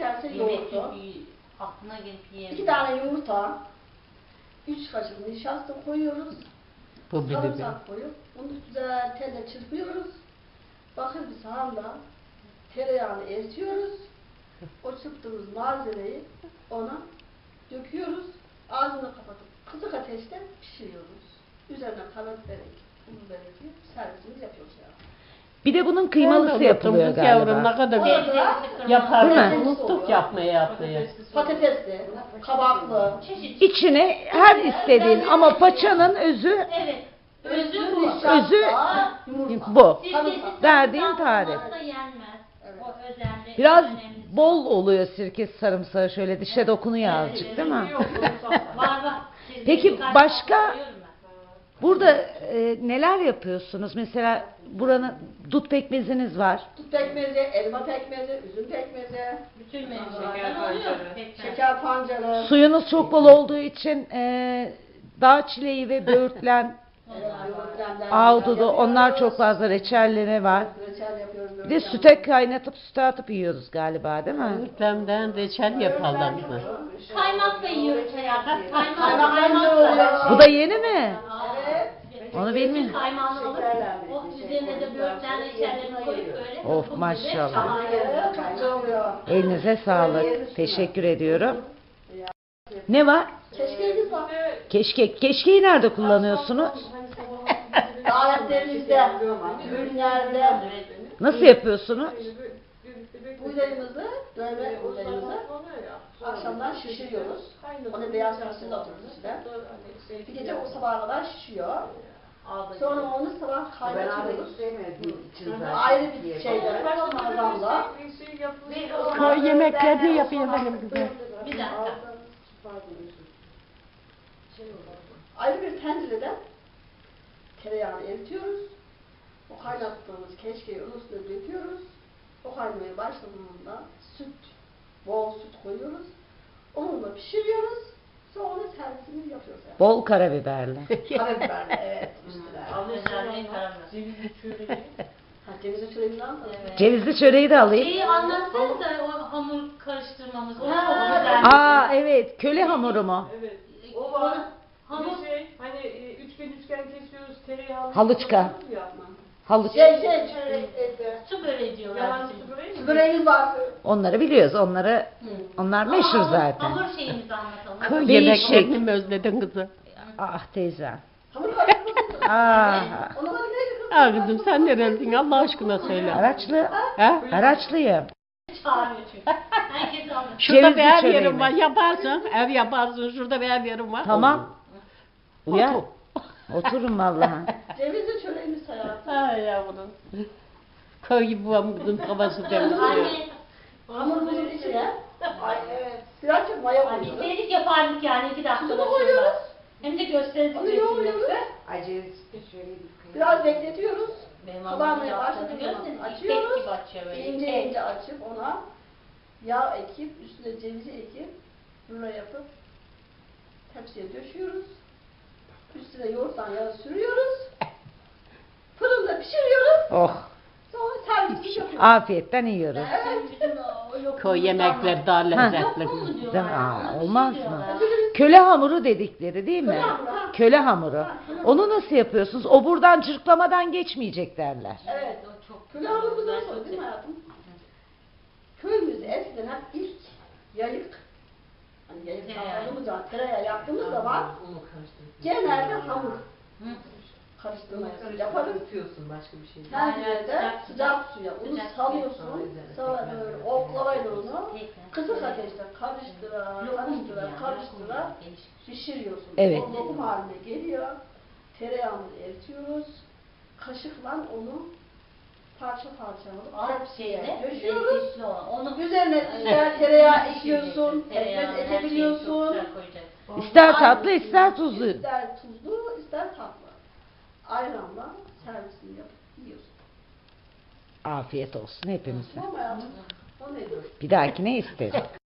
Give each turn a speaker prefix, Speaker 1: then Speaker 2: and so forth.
Speaker 1: kase
Speaker 2: Yemek
Speaker 1: yoğurdu,
Speaker 2: çünkü aklına gelip
Speaker 1: 2
Speaker 2: yiyemiyor.
Speaker 1: tane yumurta, 3 kaşık nişasta koyuyoruz,
Speaker 3: Bu bir de.
Speaker 1: sarımsak koyup bunu güzel telle çırpıyoruz. Bakır bir sahanda tereyağını eritiyoruz. O çırptığımız malzemeyi ona döküyoruz. Ağzını kapatıp kısık ateşte pişiriyoruz. Üzerine karabiber ekip, pul biber ekip servisimizi yapıyoruz yani.
Speaker 4: Bir de bunun kıymalısı yapılıyor
Speaker 3: Kız yavrum ne
Speaker 4: galiba.
Speaker 3: kadar
Speaker 1: Orada
Speaker 3: yapardık.
Speaker 4: Değil mi?
Speaker 3: Unuttuk yapmayı.
Speaker 1: patatesli, kabaklı,
Speaker 2: Çeşit.
Speaker 4: İçine her istediğin ama paçanın özü
Speaker 2: Evet. Özü bu.
Speaker 1: nişasta,
Speaker 4: Özü
Speaker 1: yumurta.
Speaker 4: bu.
Speaker 2: Sirkesiz
Speaker 4: Verdiğin
Speaker 2: sarımsak
Speaker 4: tarif.
Speaker 2: olmazsa yenmez.
Speaker 1: Evet.
Speaker 2: O özelliği.
Speaker 4: Biraz
Speaker 2: önemlisi.
Speaker 4: bol oluyor sirke sarımsağı, şöyle dişe dokunuyor azıcık değil mi?
Speaker 2: Var var.
Speaker 4: Peki
Speaker 2: Birkaç
Speaker 4: başka-
Speaker 2: tane koyuyorum ben.
Speaker 4: Burada neler yapıyorsunuz? Mesela buranın dut pekmeziniz var.
Speaker 1: Tut pekmezi, elma pekmezi, üzüm pekmezi,
Speaker 2: Bütün mevzulardan oluyor. Pekmez.
Speaker 1: şeker pancarı.
Speaker 4: Suyunuz çok bol olduğu için dağ çileği ve böğürtlen, ahududu, onlar çok fazla reçelleri var.
Speaker 1: Reçel yapıyoruz.
Speaker 4: Bir de süte kaynatıp süte atıp yiyoruz galiba değil mi?
Speaker 3: Ürtemden reçel yapalım mı?
Speaker 2: Kaymakla yiyoruz hayatım.
Speaker 1: Kaymakla.
Speaker 4: Bu da yeni mi?
Speaker 1: Evet.
Speaker 4: Onu bilmiyorum.
Speaker 2: Kaymağını alıp
Speaker 1: Şekerler
Speaker 2: o
Speaker 1: birlikte,
Speaker 2: üzerine de böğürtlen reçellerini koyup böyle.
Speaker 4: Of,
Speaker 2: topu gibi
Speaker 4: maşallah.
Speaker 2: şahane.
Speaker 1: Evet, çok güzel oluyor.
Speaker 4: Elinize sağlık. Teşekkür ediyorum. Ne var?
Speaker 1: Keşkeğimiz var.
Speaker 4: Keşkek. Keşkeği nerede kullanıyorsunuz?
Speaker 1: Davetlerimizde, ürünlerde,
Speaker 4: Nasıl yapıyorsunuz?
Speaker 1: buğdayımızı, dövme buğdayımızı akşamdan şişiriyoruz. Onu beyaz fasulye atıyoruz içine. Bir gece o sabaha kadar şişiyor. Sonra onu sabah kaynatıyoruz. Ayrı bir şeyde, kazanla.
Speaker 3: Köy yemeklerini yapıyor benim kızım.
Speaker 2: Bir dakika.
Speaker 1: Ayrı bir tencerede tereyağını eritiyoruz. O kaynattığımız keşkeği onun üstüne döküyoruz. O kaynamaya başladığında süt, bol süt koyuyoruz. Onunla pişiriyoruz. Sonra onu servisini yapıyoruz. Yani.
Speaker 4: Bol karabiberli.
Speaker 1: Karabiberle, evet. Üstüne.
Speaker 2: Özelliği karamel.
Speaker 1: Ha, cevizi çöreğini al.
Speaker 2: Evet.
Speaker 4: Cevizli çöreği de alayım.
Speaker 2: Şeyi anlatsanız da o hamur karıştırmamız. O
Speaker 1: Ha,
Speaker 2: çok güzel.
Speaker 4: Aa evet, köle hamuru mu?
Speaker 5: Evet. O var.
Speaker 2: Hamur.
Speaker 5: Bir şey, hani üçgen kesiyoruz, tereyağı.
Speaker 4: Halıçka. Halıç.
Speaker 1: Çörek,
Speaker 2: Su böreği diyorlar
Speaker 5: Yalan
Speaker 2: bizim.
Speaker 5: su böreği mi?
Speaker 1: böreğimiz var.
Speaker 4: Onları biliyoruz. Onlar meşhur
Speaker 2: Ama
Speaker 4: zaten.
Speaker 2: Hamur şeyimizi anlatalım.
Speaker 4: Köy
Speaker 3: Değişik.
Speaker 4: yemeklerini
Speaker 3: mi özledin kızım?
Speaker 4: Ah teyze.
Speaker 1: Hamur karıştırmasın.
Speaker 4: Ah.
Speaker 1: Ona bak neydi kız?
Speaker 3: Ha kızım sen nerelisin Allah aşkına söyle.
Speaker 4: Araçlı.
Speaker 3: Ha?
Speaker 4: Araçlıyım.
Speaker 2: Çağırıyor çünkü. Herkes anlatıyor.
Speaker 3: Şurada
Speaker 4: Cevizli
Speaker 3: bir ev
Speaker 4: çöreği
Speaker 3: yerim
Speaker 4: mi?
Speaker 3: var yaparsın. Ev yaparsın şurada bir ev yerim var.
Speaker 4: Tamam. Uyar.
Speaker 3: Otur.
Speaker 4: Oturun vallahi.
Speaker 1: Cevizli çöreğimiz hayatım.
Speaker 3: Ay yavrum. Köy gibi babam kızım kafası temizliyor.
Speaker 2: Anne.
Speaker 1: Hamurumuzun içine. Ay evet. Birazcık maya
Speaker 2: Ay,
Speaker 1: koyuyoruz.
Speaker 2: bilseydik yapardık yani 2 dakikada.
Speaker 1: Tuzunu koyuyoruz.
Speaker 2: Hem de gösteririz.
Speaker 1: Onu yoğuruyoruz. Biraz bekletiyoruz.
Speaker 2: Benim
Speaker 1: Kabarmaya
Speaker 2: anlamda
Speaker 1: başladığı
Speaker 2: yaptığını
Speaker 1: zaman
Speaker 2: görseniz ipek
Speaker 1: açıyoruz.
Speaker 2: gibi açıyor böyle.
Speaker 1: İnce
Speaker 2: İpek.
Speaker 1: ince açıp ona yağ ekip, üstüne cevizi ekip, rulo yapıp tepsiye döşüyoruz. Üstüne yoğurttan yağı sürüyoruz. Fırında pişiriyoruz.
Speaker 4: Oh.
Speaker 1: Sonra servis yapıyoruz.
Speaker 4: Afiyetten yiyoruz.
Speaker 1: Evet.
Speaker 3: Köy yemekleri daha lezzetli.
Speaker 2: Yok mu diyorlar?
Speaker 4: Değil mi? Aa,
Speaker 2: Ona bir şey
Speaker 4: olmaz mı?
Speaker 2: diyorlar.
Speaker 4: Köle hamuru dedikleri değil mi?
Speaker 1: Köle hamuru, ha.
Speaker 4: Köle hamuru. Onu nasıl yapıyorsunuz? O buradan cırklamadan geçmeyecek derler.
Speaker 1: Evet.
Speaker 2: O çok
Speaker 1: Köle hamurumuzdan
Speaker 2: güzel,
Speaker 1: sonra
Speaker 2: çok
Speaker 1: değil mi
Speaker 2: güzel.
Speaker 1: hayatım? Köyümüzde eskiden hep ilk yayık, hani yayık yaptığımız zaman, tereyağı yaptığımız zaman genelde hamur
Speaker 2: Hı.
Speaker 1: karıştırmayı yaparız.
Speaker 5: başka bir şey.
Speaker 1: Tencerede sıcak suya unu
Speaker 2: Sıcak
Speaker 1: salıyorsun, sonra böyle oklavayla onu
Speaker 2: Tekrar.
Speaker 1: kısık ateşte karıştıra,
Speaker 2: Lokum gibi
Speaker 1: karıştıra,
Speaker 2: yani,
Speaker 1: karıştıra
Speaker 2: lokum gibi, değişik.
Speaker 1: pişiriyorsun.
Speaker 4: Evet.
Speaker 1: O lokum haline geliyor, tereyağını eritiyoruz, kaşıkla onu parça parça alıp
Speaker 2: Alt
Speaker 1: tepsiye
Speaker 2: şeyde
Speaker 1: döşüyoruz.
Speaker 2: lezzetli olan. Onu
Speaker 1: Üzerine
Speaker 2: Evet.
Speaker 1: tereyağı ekliyorsun,
Speaker 2: Tereyağı,
Speaker 1: pekmez
Speaker 2: her şeyi çok
Speaker 1: ekebiliyorsun.
Speaker 2: güzel koyacaksın.
Speaker 4: İster tatlı ister tuzlu.
Speaker 1: İster tuzlu, ister tatlı. Ayranla servisini yapıp yiyorsun.
Speaker 4: Afiyet olsun hepimize.
Speaker 1: Tamam hayatım. O nedir?
Speaker 4: Bir dahakine isteriz.